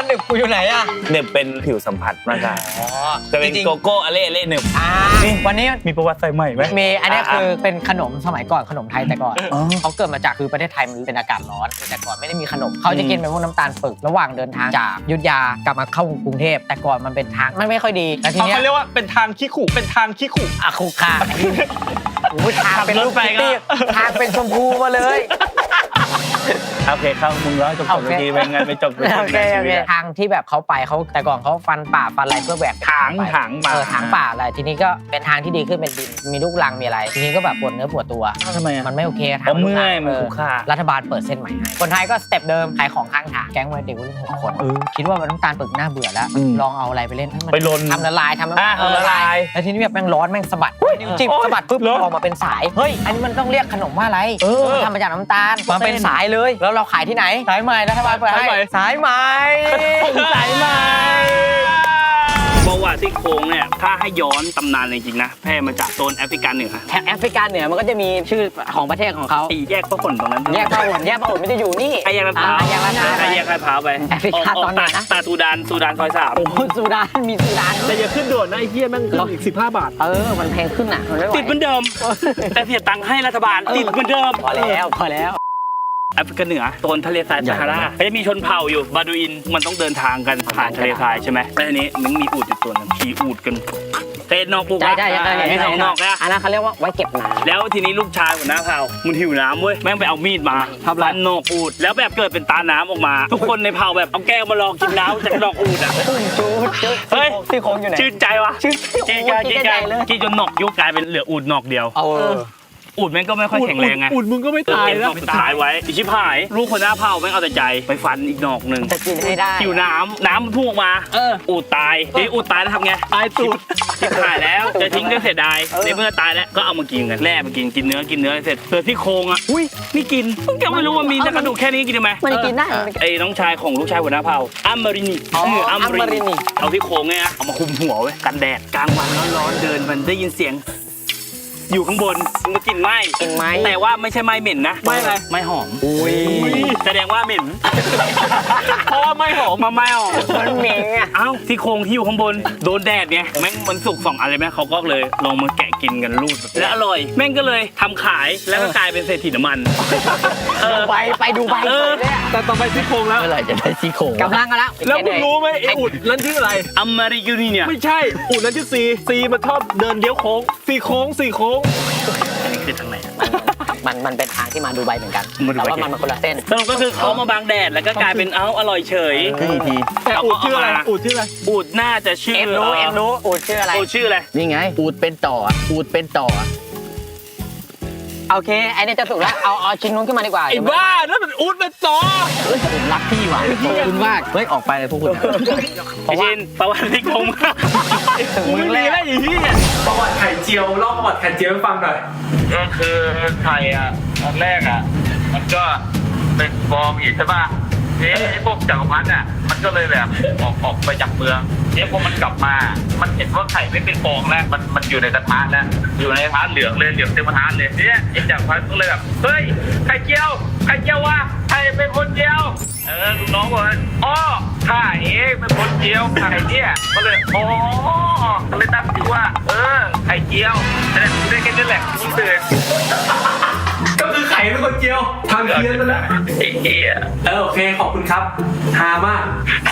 Speaker 6: หนึบกูอยู่ไหนอ่ะ
Speaker 4: เน็บเป็นผิวสัมผัสมากกว่า
Speaker 6: อ๋อ
Speaker 4: จะเป็น
Speaker 6: จริง
Speaker 4: โกโก้อเล่อเล่เน็บ
Speaker 6: ๆอ่าวันนี้
Speaker 4: มีประวัติใส่ใหม่ไหม
Speaker 6: มีอันนี้คือเป็นขนมสมัยก่อนขนมไทยแต่ก่อนเขาเกิดมาจากคือประเทศไทยมันเป็นอากาศร้อนแต่ก่อนไม่ได้มีขนมเขาจะกินเป็นพวกน้ำตาลปึกระหว่างเดินทางจากอยุธยากลับมาเข้ากรุงเทพแต่ก่อนมันเป็นทางมันไม่ค่อยดีแล้วทีเนี้ย
Speaker 3: เขาเรียกว่าเป็นทางขี้ขู่เป็นทางขี้ขู่
Speaker 6: อะคุคาโอ้ยทางเป็นรูปคิตตี้ทางเป็นชมพูมาเลย
Speaker 4: โอเคเข้ามึงร้อยจบจบทีไปงั้นไปจบ
Speaker 6: โอเคโอเคทางที่แบบเขาไปเขาแต่ก่อนเขาฟันป่าฟันอะไรเพื่อแหวก
Speaker 4: ถางถางมา
Speaker 6: เออถางป่าอะไรทีนี้ก็เป็นทางที่ดีขึ้นเป็นดินมีลูกรังมีอะไร ทีนี้ก็แบบปวดเนื้อปวดตัว
Speaker 4: ทำไมอ่ะ
Speaker 6: มันไม่โอเคทาง
Speaker 4: อ๋อเมื่อยมัน
Speaker 6: เออ
Speaker 4: คุกคา
Speaker 6: รัฐบาลเปิดเส้นใหม่ให้คนไทยก็สเต็ปเดิมขายของข้างทางแก๊งวัยเด็กวัยรุ่นหกคนคิดว่ามันน้ำตาลปึกน่าเบื่อแล้ว ลองเอาอะไรไปเล่นให้มัน
Speaker 4: ไปลน
Speaker 6: ทำละลายทำน้ำ
Speaker 4: อ่ะ
Speaker 6: เออ
Speaker 4: ละลาย
Speaker 6: แล้วทีนี้แบบแม่งร้อนแม่งสะบัดนิ้วจิ้มสะบัดปุ๊บออกมาเป็นสายเฮ้ยอันนี้มันต้องเรียกขนมว่าอะไรมันทำมาจากน้ำตาลมาเป็นสายเลยแล้วเราขายที่ไหนสายใหม่รัฐบาลเปิดให้สายใหม่
Speaker 4: สายใหม่ประวัติซี่โครงเนี่ยถ้าให้ย้อนตำนานจริงๆนะแพร่มาจากโซนแอฟริกาเหนือ
Speaker 6: แถบแอฟริกาเหนือมันก็จะมีชื่อของประเทศของเขา
Speaker 4: ไอ้แยกพระขนตรงนั้น
Speaker 6: แยกพระอุ่นแยกพระอุ่นไม่ได้อยู่นี่
Speaker 4: ไอ้แยกลาดพร้าว
Speaker 6: อ่แยกลาดพร้าว
Speaker 4: ไอ้แยกลาดพร้าวไป
Speaker 6: แอฟริกาตอนไหนนะ
Speaker 4: ตาซูดานซูดานซอยสาม
Speaker 6: โอ้โหสุดานมีสุดาน
Speaker 3: แต่อย่าขึ้นด่วนนะไอ้เหี้ยแม่งขึ้นอีกสิบห้าบาท
Speaker 6: เออมันแพงขึ้นอ่ะมันไม่ไหว
Speaker 4: ติดเหมือนเดิม แต่เสียตังค์ให้รัฐบาลติดเหมือนเดิม
Speaker 6: พอแล้วพอแล้ว
Speaker 4: แอฟริกาเหนือโซนทะเลทรายซาฮาราก็จะมีชนเผ่าอยู่บาดูอินมันต้องเดินทางกันผ่านทะเลทรายใช่ไหมแล้วทีนี้มันมีอูฐอยู่ตัวหนึงขี่อูฐกันเตนนอกปลูก
Speaker 6: ใช่ใช่ใช่
Speaker 4: มีสองนอกนะ
Speaker 6: อันนั้นเขาเรียกว่าไว้เก็บน้
Speaker 4: แล้วทีนี้ลูกชายหัวหน้าเผ่ามันหิวน้ำเว้ยแม่งไปเอามีดมาทับร้านนอกอูดแล้วแบบเกิดเป็นตาน้ำออกมา ทุกคนในเผ่าแบบเอาแก้วมาลองกินน้ำจากดอกอูดอ่ะ
Speaker 6: ำจูดจูด
Speaker 4: เฮ้ย
Speaker 6: ซี่โครงอยู่ไหน
Speaker 4: ชื่นใจวะ
Speaker 6: ชื่น
Speaker 4: กินกันกินกันกินจนหนอกยุบกลายเป็นเหลืออูดหนอกเดียว
Speaker 6: เออ
Speaker 4: อูดแม่งก็ไม่ค่อยแข็งแรงไง
Speaker 3: อุ่นมึงก็ไม่ตาย
Speaker 4: เอ็น
Speaker 3: แล้ว
Speaker 4: ไม่ตายไว้อิชิพายลูกหัวหน้าเผ่าแม่งเอาแต่ใจไปฟันอีกหนอกหนึ่ง
Speaker 6: จะกินให้ได้
Speaker 4: หิวน้ำน้ำมันพุ่งออกมาอูดตายทีนี้อูดตายแล้วทำไง
Speaker 3: ตายตูด
Speaker 4: ชิบหายแล้วจะทิ้งก็เสียดายในเมื่อตายแล้วก็เอามากินกันแล่มากินกินเนื้อกินเนื้อเสร็จเกิดที่โครงอ่ะอุ้ยไม่กินเพิ่งจะไม่รู้ว่ามีแต่กระดูกแค่นี้กินได้ไหม
Speaker 6: มันกินได้มันกิน
Speaker 4: ไอ้น้องชายของลูกชายหัวหน้าเผ่าอัมมารินี
Speaker 6: อ๋อ
Speaker 4: เอัมมา
Speaker 6: อัมมาริ
Speaker 4: ริ
Speaker 6: นี
Speaker 4: นีเอาที่โครงเนี่ยเอามาคุมหัวไว้กันแดดกลางวันร้อนๆเดินมันได้ยินเสียง อยู่ข้างบนมันกลิ่นไหม้
Speaker 6: กินไหม
Speaker 4: แต่ว่าไม่ใช่ไหม้เหม็นนะ
Speaker 3: ไหม้อะไร
Speaker 4: ไหม้หอม
Speaker 6: อุ้ย
Speaker 4: แสดงว่าเหม็น
Speaker 3: เพราะว่าไม่หอม
Speaker 4: มาไหม้หอม
Speaker 6: มันเหม็นอ่ะ
Speaker 4: เอ้าที่โครงที่อยู่ข้างบนโดนแดดไงแม่งมันสุกสองอะไรไหมเขาก็เลยลองมาแกะกินกันรูดแล้วอร่อย แม่งก็เลยทำขายแล้วก็กลายเป็นเศรษฐีน้ำมันเออ
Speaker 6: ไปไปดูใบ
Speaker 4: เออ
Speaker 6: เลยอะ
Speaker 3: แต่ต่อไปซี่โครงแล้ว
Speaker 2: เมื่อไหร่จะได้ซี่โครง
Speaker 6: กำลังกันแล้ว
Speaker 3: แล้วมึงรู้ไหมไอ้อุ่นนั่นชื่ออะไร
Speaker 4: อัมมาริยูนีเนี่ย
Speaker 3: ไม่ใช่ อุ่นนั่นชื่อซีซีมันชอบเดินเลี้ยวโค้งสี่โค้งสี่โค้ง
Speaker 4: อันนี้คือทางไหน
Speaker 6: มันมันเป็นทางที่มาดูใบเหมือนกัน
Speaker 4: มาดู
Speaker 6: แต่
Speaker 4: ไบ
Speaker 6: ว่ามันมันคนละเส้น
Speaker 4: สรุปก็คือเขามาบังแดดแล้วก็กลายเป็นเอ้าอร่อยเฉย
Speaker 2: ขึ้นอีกที
Speaker 3: แต่อุ่นชื่ออะไรอุ่นชื่ออะไร
Speaker 4: อูดน่าจะชื่อ
Speaker 6: เอ็มรู้เอ็มรู้อูดชื่ออะไร
Speaker 4: อูดชื่ออะไร
Speaker 2: นี่ไง อูดเป็นต่อ อูดเป็นต่อ
Speaker 6: โอเคไอ้เนี่ยจะสุกแล้วเอาเอาชิ้นนู้นขึ้นมาดีกว่า
Speaker 3: ไอ้บ้านั่นมันอุ่นเป็นต่อ
Speaker 2: เฮ้ยผมรักพี่ว่ะขอบคุณมาก เฮ้ย ออกไปเลยพวกคุณอะ
Speaker 4: ไอชินประวัติที่โครง
Speaker 6: ถึง
Speaker 3: มึ
Speaker 6: มึ
Speaker 3: ง
Speaker 6: ง
Speaker 3: มี
Speaker 6: แล้
Speaker 3: อะไรอีกที่เนี่ยประวัติไข่เจียวเล่าประวัติไข่เจียวให้ฟังหน่อย
Speaker 7: ก็คือไข่อ่ะตอนแรกอ่ะ มันก็เป็นฟองอีกใช่ป่ะนี่ไอ้พวกจักรพรรดิอ่ะมันก็เลยแบบออกออกไปจากเมืองเนี่ยพอมันกลับมา มันเห็นว่าไข่ไม่เป็นฟองแล้วมันมันอยู่ในกระทะแล้วอยู่ในกระทะเหลืองเลยเหลืองเต็มกระทะเลยเนี่ยไอ้จักรพรรดิก็เลยแบบเฮ้ยไข่เจียวไข่เจียววะไข่เป็นคนเจียวเออลูกน้องบอกว่าอ๋อข้าเองเป็นคนเจียวไข่เนี่ยก็เลยอ๋อก็เลยตั้งชื่อว่า เออไข่เจียวแต่ได้แค่นี้แหละมึงตื่น
Speaker 3: ก็คือไข่เป็นคนเจียวทางเพี้ยนไปแล้ว
Speaker 7: ไอ้เหี้ย
Speaker 3: เออโอเคขอบคุณครับฮามาก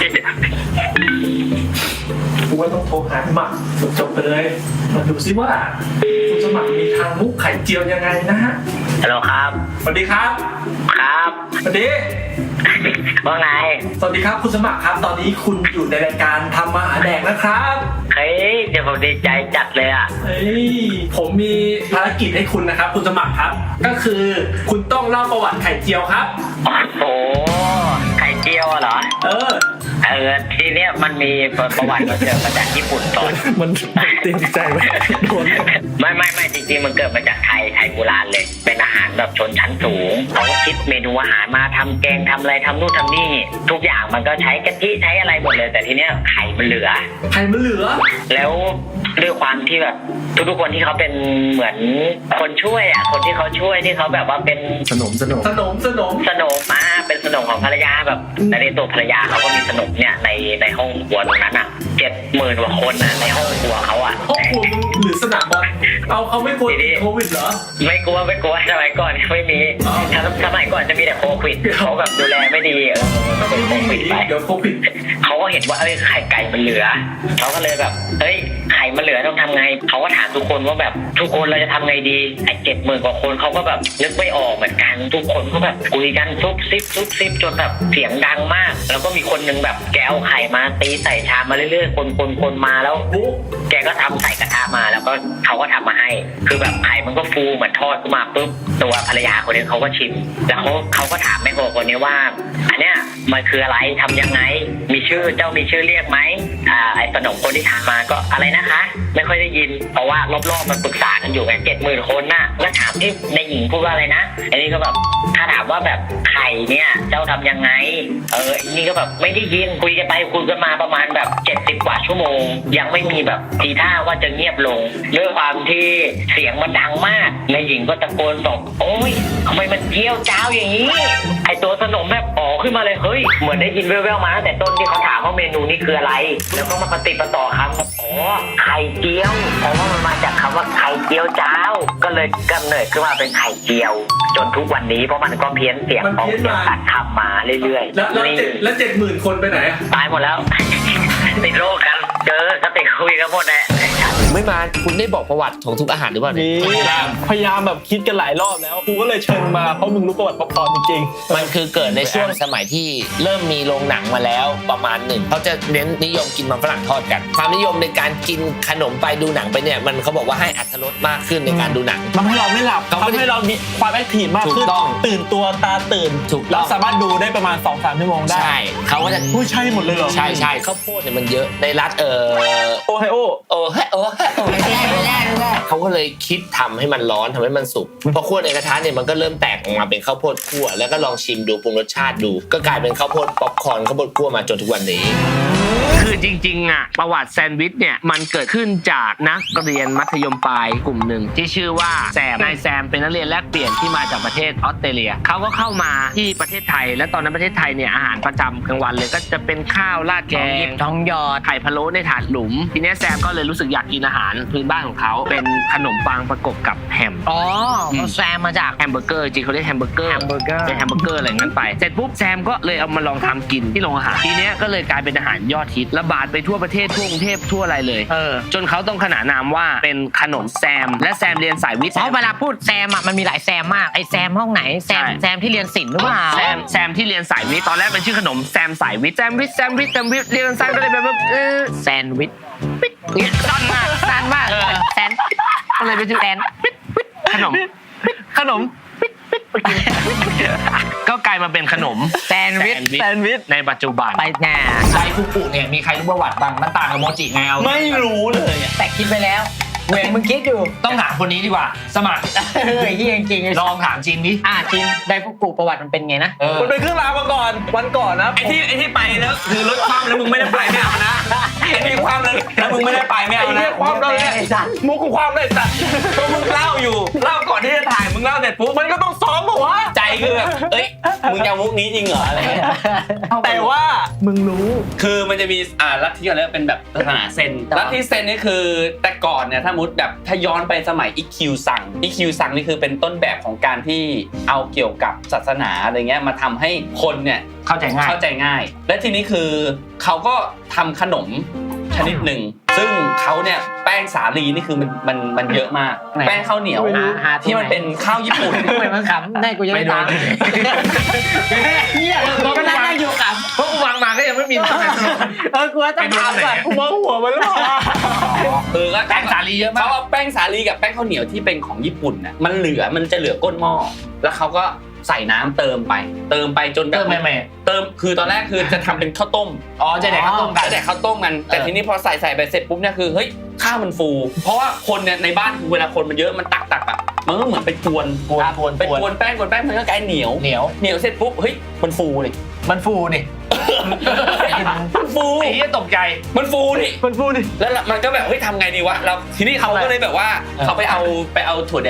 Speaker 3: กูว่าต้องโทรหาหมักจบๆไปเลยมาดูซิว่าคุณสมัครมีทางมุกไข่เจียวยังไงนะฮะ
Speaker 7: ฮัลโหลครับ
Speaker 3: สวัสดีครับ
Speaker 7: ครับ
Speaker 3: สวัสดี
Speaker 7: ว่าไง
Speaker 3: สวัสดีครับคุณสมัครครับ ตอนนี้คุณอยู่ในรายการทำมาหาแดกนะครับ
Speaker 7: เฮ้ยเดี๋ยวผมดีใจจัดเลยอ่ะ
Speaker 3: เฮ้ยผมมีภารกิจให้คุณนะครับ คุณสมัครครับ ก็คือคุณต้องเล่าประวัติไข่เจียวครับ
Speaker 7: โอ้โห ไข่เจียวอะเหรอ
Speaker 3: เออ
Speaker 7: เออ ทีเนี้ยมันมีประวัติมาเกิดมาจากญี่ปุ่นก่อน
Speaker 3: มันเต็มใจไว้โดน
Speaker 7: ไม่ไม่ไม่จริงๆมันเกิดมาจากไทย ไทยโบราณเลย เป็นอาหารแบบชนชั้นสูงเขาคิดเมนูอาหารมาทำแกงทำอะไรทำนู่นทำนี่ ทุกอย่างมันก็ใช้กะทิใช้อะไรหมดเลย แต่ทีเนี้ยไข่มันเหลือ
Speaker 3: ไข่มันเหลือ
Speaker 7: แล้วด้วยความที่แบบทุกๆคนที่เขาเป็นเหมือนคนช่วยอ่ะ คนที่เขาช่วยที่เขาแบบว่าเป็น
Speaker 3: สนมสนมสนมสนม
Speaker 7: สนมมาเป็นสน
Speaker 8: นมของภรรยาแบบในตัวภรรยาเขาก็มีขนมเนี่ยในในห้องครัวตรงนั้นอ่ะเจ็ดหมื่นกว่าคนอ่ะในห้องครัวเขาอ่ะ
Speaker 1: ห้องครัวมึงหรือสนามบอลเอาเขาไม่กลัวติดโควิดเหรอ
Speaker 8: ไม่กลัวไม่กลัวสมัยก่อนไม่มีสมัยก่อนจะมีแต่โควิดเขาแบบดูแลไม่ดีเออเป็นโควิดไป
Speaker 1: เดี๋ยวโควิด
Speaker 8: เขาก็เห็นว่าเอ้ยไข่ไก่มันเหลือเขาก็เลยแบบเฮ้ยไข่มันเหลือต้องทำไงเขาก็ถามทุกคนว่าแบบทุกคนเราจะทำไงดีไอ้เจ็ดหมื่นกว่าคนเขาก็แบบนึกไม่ออกเหมือนกันทุกคนก็แบบคุยกันซุบซิบซุบซิบจนแบบเสียงดังมากแล้วก็มีคนนึงแบบแกเอาไข่มาตีใส่ชามมาเรื่อยๆคนคนคนมาแล้วแกก็ทำใส่กระทะมาแล้วก็เขาก็ทำมาให้คือแบบไข่มันก็ฟูเหมือนทอดขึ้นมาปุ๊บตัวภรรยาคนนี้เขาก็ชิมแล้วเขาเขาก็ถามแม่ครัวคนนี้ว่าอันเนี้ยมันคืออะไรทำยังไงมีชื่อเจ้ามีชื่อเรียกไหมอ่าไอ้ขนมคนที่ทำมาก็อะไรนะคะไม่ค่อยได้ยินเพราะว่ารอบๆมันปรึกษากันอยู่ไงเจ็ดหมื่นคนน่ะแล้วถามที่ในหญิงพูดว่าอะไรนะอันนี้ก็แบบถ้าถามว่าแบบไข่เนี่ยเจ้าทำยังไงเออนี่ก็แบบไม่ได้ยินคุยกันไปคุยกันมาประมาณแบบเจ็ดสิบกว่าชั่วโมงยังไม่มีแบบทีท่าว่าจะเงียบลงด้วยความที่เสียงมันดังมากในหญิงก็ตะโกนบอกโอ๊ยทำไมมันเจียวจ้าวอย่างนี้ไอตัวขนมแบบอ๋อขึ้นมาเลยเฮ้ยเหมือนได้ยินแว่วๆมาตั้งแต่ต้นที่เขาถามว่าเมนูนี้คืออะไรแล้วก็มาปฏิปต่อคำว่าอ๋อไข่เจียวเพราะว่ามันมาจากคำว่าไข่เจียวจ้าวก็เลยกำเนิดขึ้นมาเป็นไข่เจียวจนทุกวันนี้เพราะมันก็เพี้ยนเสียงออกเสียงตัดคำมาเรื่อยๆ
Speaker 1: แล้วแล้วเจ็ดแล้วเจ็ดหมื่นคนไปไหนอะ
Speaker 8: ตายหมดแล้ว ติดโรคกันเจอก็ติดคุยกันหมดแหละ
Speaker 2: ไม่มาคุณได้บอกประวัติของทุกอาหารหรือเปล่าเนี่ย
Speaker 3: นี่พยายามแบบคิดกันหลายรอบแล้วกูก็เลยเชิญมาเพราะมึงรู้ประวัติป๊อปคอร์นจริง
Speaker 2: มันคือเกิดในช่วงสมัยที่เริ่มมีโรงหนังมาแล้วประมาณหนึ่งเขาจะเน้นนิยมกินมันฝรั่งทอดกันความนิยมในการกินขนมไปดูหนังไปเนี่ยมันเขาบอกว่าให้อรรถรสมากขึ้นในการดูหนัง
Speaker 3: ๆทำให้เราไม่หลับ
Speaker 2: เขาไม่ได้
Speaker 3: ทำให้เรามีความแอคทีฟมาก
Speaker 2: ถู
Speaker 3: ขึ้
Speaker 2: ก
Speaker 3: น
Speaker 2: ต้อง
Speaker 3: ตื่นตัวตาตื่น
Speaker 2: ถูกต้อง
Speaker 3: เราสามารถดูได้ประมาณ สองถึงสาม ชั่วโมงได้
Speaker 2: ใช่เขาก็จะ
Speaker 3: ผู้ยใช่หมดเลยเหรอ
Speaker 2: ใช่ใช่ข้าวโพดเนี่ยมันเยอะในรัฐเออ
Speaker 3: โอไฮโอ
Speaker 2: โอ้เฮ้โอ้เฮ้โอ้ไม่ได้ไม่ได้ไม่ได้เขาก็เลยคิดทำให้มันร้อนทำให้มันสุกพอคั่วในกระทะเนี่ยมันก็เริ่มแตกออกมาเป็นข้าวโพดคั่วแล้วก็ลองชิมดูปรุงรสชาติดู ก็กลายเป็นข้าวโพดป๊อปคอร์นข้าวโพดคั่วมาจนทุกวันนี้ คือจริงๆอ่ะประวัติแซนด์วิชเนี่ยมันเกิดขึ้นจากนักเรียนมัธยมปลายกลุ่มหนึ่งที่ชื่อว่าแซมนายแซมเป็นนักเรียนแลกเปลี่ยนที่มาจากประเทศออสเตรเลียเขาก็เข้ามาที่ประเทศไทยและตอนนั้นประเทศไทยเนี่ยอาหารประจำกลางวันเลยก็จะเป็นข้าวราดแกง
Speaker 6: ท้องหยอด
Speaker 2: ไข่พะโล้ในถาดหลุมทีนี้แซมก็เลยรู้สึกอยากกินอาหารพื้นบ้านของเขาเป็นขนมปังประกบกับแฮม
Speaker 6: อ๋อเขาแซมมาจาก
Speaker 2: แฮมเบอร์เกอร์จริงเขาเรียกแฮมเบอร์เกอร์
Speaker 6: แฮมเบอร์เกอร์
Speaker 2: เป็นแฮมเบอร์เกอร์อะไรงั้นไปเสร็จปุ๊บแซมก็เลยเอามาลองทำกินที่โรงอาหารทีเนี้ยก็เลยกลายเป็นอาหารยอดฮิตระบาดไปทั่วประเทศทั่วกรุงเทพทั่วอะไรเลย
Speaker 6: เออ
Speaker 2: จนเขาต้องขนานนามว่าเป็นขนมแซมและแซมเรียนสายวิทย์
Speaker 6: เพราะเวลาพูดแซมอ่ะมันมีหลายแซมมากไอแซมห้องไหนแซม
Speaker 2: ใช่
Speaker 6: แซมที่เรียนศิลป์หรือเปล่า
Speaker 2: แซมแซมที่เรียนสายวิทย์ตอนแรกเป็นชื่อขนมแซมสายวิทย์แซมวิทย์แซมวิทย์แซมวิทย์เรียนสั้นก็เลยแบบว่าเออ
Speaker 6: แซนด์วิช
Speaker 2: เนี่ยสั้นมาก
Speaker 6: สั้นมาก
Speaker 2: เออ
Speaker 6: แซน
Speaker 2: ก็เลยเป็นชื่อแซนขนมขนมก็กลายมาเป็นขนม
Speaker 6: แซนด์วิช
Speaker 2: แซนด์วิชในปัจจุบัน
Speaker 6: ไปแน่
Speaker 2: ไดฟุกุเนี่ยมีใครรู้ประวัติบ้างมันต่างกับโมจิไงเอา
Speaker 3: ไม่รู้เลยอะ
Speaker 6: แต่คิดไปแล้วเวงมึงคิดอยู่
Speaker 2: ต้องถามคนนี้ดีกว่า สมัคร
Speaker 6: เออเฮียจริงๆ
Speaker 2: ลองถามจินดิ
Speaker 6: อ่ะจินไดฟุกุประวัติมันเป็นไงนะ
Speaker 2: เออ
Speaker 3: มันเป็นเครื่องรางมาก่อนวันก่อนนะ
Speaker 4: ไอ้ที่ไอ้ที่ไปแล้วคือรถคว่ำแล้วมึงไม่ได้ไปไม่เอานะไอ้ที่คว่ำแล้วแล้วมึงไม่ได้ไปไม่เอา
Speaker 3: ไอ้
Speaker 4: นะ
Speaker 3: เหี้ยความเราเนี่ย
Speaker 6: ไอ้สัตว์
Speaker 3: มุกกูความเลยสัตว์
Speaker 4: ก็มึงเล่าอยู่เล่าก่อนที่จะถ่ายมึงเล่าเสร็จปุ๊บ
Speaker 3: มันก็ต้องซ้อมบอกว่า
Speaker 4: ใจคือแบบเอ้ยมึงจะเอามุกนี้จริงเหรออะไรเงี้ย
Speaker 3: แต่ว่า
Speaker 6: มึงรู้
Speaker 4: คือมันจะมีอ่าลัทธิอะไรเป็นแบบศาสนาเซนลัทธิเซนนี่คือแต่ก่อนเนี่ยถ้ามุดแบบถ้าย้อนไปสมัยอิคิวซังอิคิวซังนี่คือเป็นต้นแบบของการที่เอาเกี่ยวกับศาสนาอะไรเงี้ยมาทำให้คนเนี่ย
Speaker 2: เข้าใจง่าย
Speaker 4: เข้าใจง่าย และทีนี้คือเขาก็ทำขนมชนิดหนึ่งซึ่งเขาเนี่ยแป้งสาลีนี่คือมันมันมันเยอะมาก
Speaker 6: ไหน
Speaker 4: แป้งข้าวเหนียว
Speaker 6: หาหาที่
Speaker 4: ที่มัน
Speaker 6: ไหน
Speaker 4: เป็นข้าวญี่ปุ่น
Speaker 6: ทำไมมันขำได้กูยังไม่ตาม เฮียกูก็นั่งอยู่ขำ
Speaker 2: เพราะวางมาก็ยังไม่มีทำไม
Speaker 6: เออกูว่าต้องถามก่อน
Speaker 3: กูมองหัวมันแล้ว
Speaker 4: เออก็
Speaker 2: แป้งสาลีเยอะมาก
Speaker 4: เขาเอาแป้งสาลีกับแป้งข้าวเหนียวที่เป็นของญี่ปุ่นน่ะมันเหลือมันจะเหลือก้นหม้อแล้วเขาก็ใส่น้ำเติมไป เติมไปจนแบบ
Speaker 2: เติมแม่แม่
Speaker 4: เติมคือตอนแรกคือจะทำเป็นข้าวต้ม
Speaker 2: อ๋อจะแดกข้าวต้มกัน
Speaker 4: จะแดกข้าวต้มกันแต่ทีนี้พอใส่ใส่ไปเสร็จปุ๊บเนี่ยคือเฮ้ยข้าวมันฟู เพราะว่าคนเนี่ยในบ้านคือเวลาคนมันเยอะมันตักตักๆอ่ะมันก็เหมือนไปกวน
Speaker 2: กวนกวน
Speaker 4: ไปกวนแป้งกวนแป้งมันก็กลายเหนียว
Speaker 2: เหนียว
Speaker 4: เหนียวเสร็จปุ๊บเฮ้ยมันฟูเลย
Speaker 2: มันฟูนี่
Speaker 4: มันฟู
Speaker 2: ไอ้เหี้ยตกใจ
Speaker 4: มันฟูนี่
Speaker 3: มันพูดดิ
Speaker 4: แล้วมันก็แบบเฮ้ยทำไงดีวะเราทีนี้เขาก็เลยแบบว่า
Speaker 2: เออ
Speaker 4: เขาไปเอาไปเอาถั่วแดง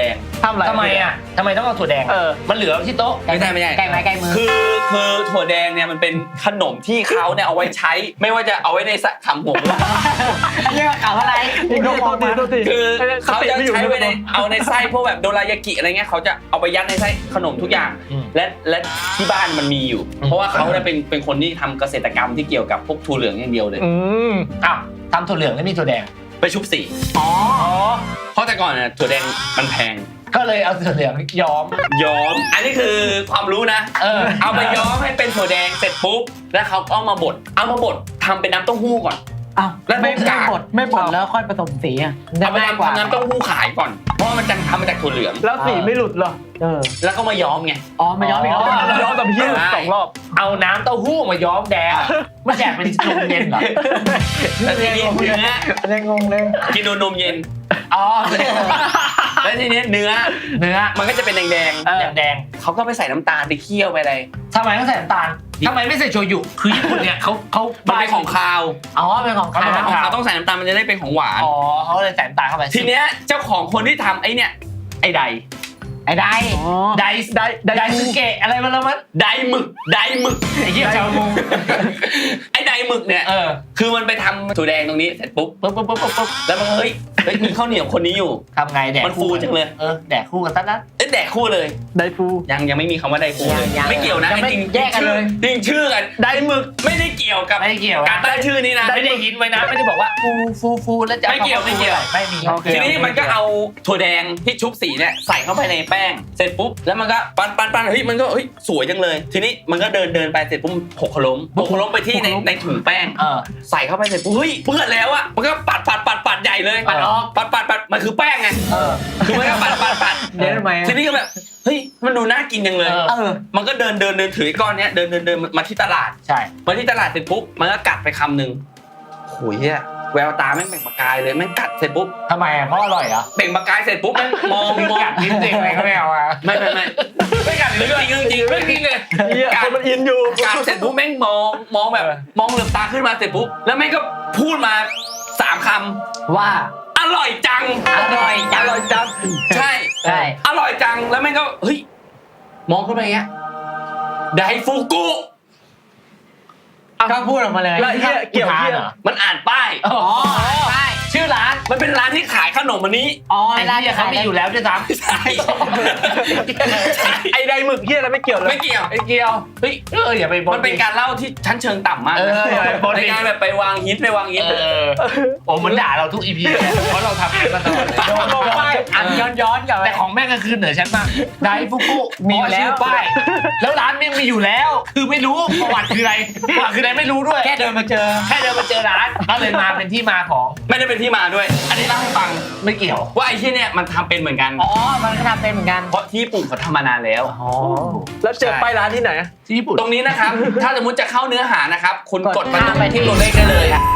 Speaker 3: ทำอะไร
Speaker 2: ทำไมอ่ะทำไมต้องเอาถั่วแดง
Speaker 3: เออ
Speaker 2: มันเหลือที่โต๊ะ
Speaker 5: ไม่ใช่ไม่ใช่
Speaker 6: ใกล้ไม้ใกล้มือ
Speaker 5: คือคือถั่วแดงเนี่ยมันเป็นขนมที่เขาเนี่ยเอาไว้ใช้ ไม่ว่าจะเอาไว้ในสะขำหัว
Speaker 6: เรียกว่าข่าวอะไร
Speaker 3: อีกโทษทีโทษที
Speaker 5: คือเขาจะใช้ไว้ในเอาในไส้พวกแบบโดรายากิอะไรเงี้ยเขาจะเอาไปยัดในไส้ขนมทุกอย่าง
Speaker 2: อืม
Speaker 5: และและที่บ้านมันมีอยู่ เพราะว่าเขาเนี่ยเป็นเป็นคนที่ทำเกษตรกรรมที่เกี่ยวกับพวกถั่วเหลืองอย่างเดียวเลย
Speaker 3: อืม
Speaker 2: อ้าวทำถั่วเหลืองแล้วมีถั่วแดง
Speaker 5: ไปชุบสีอ๋อเพราะแต่ก่อนเนี่ยถั่วแดงมันแพง
Speaker 2: ก็เลยเอาถั่วเหลืองย้อม
Speaker 5: ย้อม อันนี้คือความรู้นะ
Speaker 2: เออ
Speaker 5: เอาไปย้อมให้เป็นถั่วแดงเสร็จปุ๊บแล้วเขาก็เอามาบดเอามาบดทำเป็นน้ำเต้าหู้ก่อน
Speaker 6: อ้าว
Speaker 5: แล้ว
Speaker 6: ไม่
Speaker 5: พวก
Speaker 6: ไม่
Speaker 5: กาก
Speaker 6: บดไม่บดแล้วค่อยผสมสีอ่ะ
Speaker 5: เอาไป
Speaker 6: ง่ายกว่า
Speaker 5: ทำน้ำเต้าหู้ขายก่อน เพราะว่ามันจะทำมาจากถั่วเหลือง
Speaker 3: แล้วสีไม่หลุดเหรอ
Speaker 6: เออ
Speaker 5: แล้วก็มาย้อมไง
Speaker 6: อ๋อมาย้อมอีกรอบ
Speaker 2: อ๋อ
Speaker 3: ย้อมกับพี่สองรอบ
Speaker 2: เอาน้ำเต้าหู้มาย้อมแดงมันแจกเป็นนมเย็นเหรอ
Speaker 5: แล้วทีนี้เนื้อ
Speaker 6: เลยงงเลย
Speaker 5: กินนมเย็น
Speaker 2: อ๋อ
Speaker 5: แล้วทีนี้เนื้อ
Speaker 2: เนื้อ
Speaker 5: มันก็จะเป็นแดง
Speaker 2: แดงแดง
Speaker 5: ๆเขาก็ไปใส่น้ำตาลไปเคี่ยวไปอะไร
Speaker 2: ทำไมต้องใส่น้ำตาลทำไมไม่ใส่โชยุคือญี่ปุ่นเนี่ยเขาเขา
Speaker 5: มันเป็นของคาว
Speaker 6: อ๋อเป็นของ
Speaker 5: มัน
Speaker 6: ขาว
Speaker 5: เป็นของคาวต้องใส่น้ำตาลมันจะได้เป็นของหวาน
Speaker 2: อ๋อเขาเลยใส่น้ำตาลเข้าไป
Speaker 5: ทีเนี้ยเจ้าของคนที่ทำไอ้เนี่ยไอ้ใด
Speaker 6: ไอ้ได้
Speaker 2: ได
Speaker 3: ได้
Speaker 2: ได
Speaker 3: ได้
Speaker 2: ซึเกะอะไรมาแล้วมั้ง
Speaker 5: ไดหมึกไดหมึก
Speaker 2: ไอ้เหี้ยชาวมง
Speaker 5: ไอ้ไดหมึกเนี่ย
Speaker 2: เออ
Speaker 5: คือมันไปทำถั่วแดงตรงนี้เสร็จปุ๊บ
Speaker 2: ปุ๊บปุ๊บปุ๊บปุ๊บปุ๊บ
Speaker 5: แล้วมันก็เฮ้ยเฮ้ยมีข้าวเหนียวคนนี้อยู่
Speaker 2: ทำไงแดก
Speaker 5: มันฟูจังเลย
Speaker 2: เออแดกคู่กันซะนะ
Speaker 5: เอ้ยแดกคู่เลย
Speaker 3: ได้ฟู
Speaker 5: ยังยังไม่มีคำว่าไดฟูเลยไม่เกี่ยวนะ
Speaker 6: ยังไม่
Speaker 5: จริง
Speaker 6: แยกกันเลย
Speaker 5: จริงชื่อกันไดหมึกไม่ได้เกี่ยวกับ
Speaker 2: ไม่ได้เกี่ยว
Speaker 5: การตั้งชื่อนี้นะ
Speaker 2: ไม่ได้ยินไว้นะไม่ได้บอกว่าฟูฟูฟูแล้วจะอา
Speaker 5: ไม่เกี่ยวไม่เกี่ยว
Speaker 2: ไม่มี
Speaker 3: โอเค
Speaker 5: ทีนี้มันก็เอาถั่วแดงที่ชุบสีเนี่ยใส่เข้าไปในแป้งเสร็จปุ๊บแล้วมันก็ปั้นปั้นปั้นเฮ้ยมันก็เฮ้ยสวยจังเลย ทีนี้มันก็เดินเดินไปเสร็จปุ๊บหกล้มหกล้มไปที่ในในถุงแป้ง
Speaker 2: เออ
Speaker 5: ใส่เข้าไปเสร็จปุ๊บเฮ้ยเปื้อนแล้วอะมันก็ปัดปัดปัดปัดใหญ่เลย
Speaker 2: ปัดออก
Speaker 5: ปัดปัดปัดมันคือแป้งไง
Speaker 6: เออ
Speaker 5: คือมันก็ปัดปัดปัด
Speaker 6: เดี๋ยวทำไมอะ
Speaker 5: ทีนี้ก็แบบเฮ้ยมันดูน่ากินจังเลย
Speaker 2: เออ
Speaker 6: เออ
Speaker 5: มันก็เดินเดินเดินถือไอ้ก้อนเนี้ยเดินเดินเดินมาที่ตลาด
Speaker 2: ใช่
Speaker 5: มาที่ตลาดเสร็จปุ๊บมันก็กัดไปคำหนึ่งโหยเหี้ยแววตาแม่งเปล่งประกายเลยแม่งกัดเสร็จปุ๊บ
Speaker 2: ทำไมอ่ะเพราะอร่อยเหรอ
Speaker 5: เปล่งประกายเสร็จปุ๊บแม่งมองมอง
Speaker 2: กัดนิดเดียวอะไรก็ไม่เอาอ่ะ
Speaker 5: ไม่ไม่ไม่ไม่กัดเลยจริงจริงเรื่องจริงเลย
Speaker 3: เหี้ย
Speaker 5: กั
Speaker 3: ค
Speaker 5: ด
Speaker 3: นมันอินอยู่
Speaker 5: กัดเสร็จปุ๊บแม่งมองมองแบบมองเหลือบตาขึ้นมาเสร็จปุ๊บแล้วแม่งก็พูดมาสามค
Speaker 6: ว่า
Speaker 5: ำอร่อยจัง
Speaker 6: อร่อยจัง
Speaker 5: อร่อยจังใช่
Speaker 6: ใช่
Speaker 5: อร่อยจังแล้วแม่งก็เฮ้ยมองขึ้นไปอย่างเงี้ยไดฟูกุ
Speaker 6: ก็พูดออกมาเลย
Speaker 3: แล้วไอ้เหี้ยเกี่ยวเหี้ย
Speaker 2: เหรอ
Speaker 5: มันอ่านป้าย
Speaker 6: อ๋อใช่
Speaker 2: ชื่อร้าน
Speaker 5: มันเป็นร้านที่ขายขนมอันนี้
Speaker 6: อ๋อ
Speaker 2: ไอ้
Speaker 6: ร้าน
Speaker 2: เหี้ยเขามีอยู่แล้วด้วยซ้ำ
Speaker 5: ใช่ใช่
Speaker 3: ไอ้ไดหมึกเหี้ยอะไรไม่เกี่ยวเลย
Speaker 5: ไม่เกี่ยว
Speaker 2: ไอ้เกียวเฮ้ยเอออย่าไปบ
Speaker 5: มันเป็นการเล่าที่ชั้นเชิงต่ำมาก
Speaker 2: เอออย่าไปบน
Speaker 5: ในการแบบไปวางฮิตไปวางฮิต
Speaker 2: เออโอ้เหมือนด่าเราทุกอีพีเลยเพราะเราทำกันมาตลอดเลย
Speaker 3: โดนบอกป้าย
Speaker 6: อันย้อนย้อนๆกลับไป
Speaker 2: แต่ของแม่งก็คือเหนือชั้นมากไดฟุกุ
Speaker 6: มีอยู่แล้ว
Speaker 2: ชื่ป้ายแล้วร้านแม่งมีอยู่แล้ว คือไม่รู้ประวัติคืออะไรประวัติคืออะไรไม่รู้ด้วย
Speaker 6: แค่เดินมาเจอ
Speaker 2: แค่เดินมาเจอร้านก็เลยมาเป็นที่มาของ
Speaker 5: ไม่ได้เป็นที่มาด้วย อันนี้เล่าให้ฟัง
Speaker 2: ไม่เกี่ยว
Speaker 5: ว่าไอ้ที่เนี่ยมันทำเป็นเหมือนกัน
Speaker 6: อ๋อ มันก็ทำเป็นเหมือนกัน
Speaker 5: เพราะที่ญี่ปุ่นเขาทำมานานแล้ว
Speaker 6: อ๋อ
Speaker 3: แล้วเจอป้ายร้านที่ไหน
Speaker 2: ที่ญี่ปุ่น
Speaker 5: ตรงนี้นะครับ ถ้าสมมติจะเข้าเนื้อหานะครับ คุณกด
Speaker 6: กดข้ามไปที่
Speaker 5: ตัวเลขได้เลย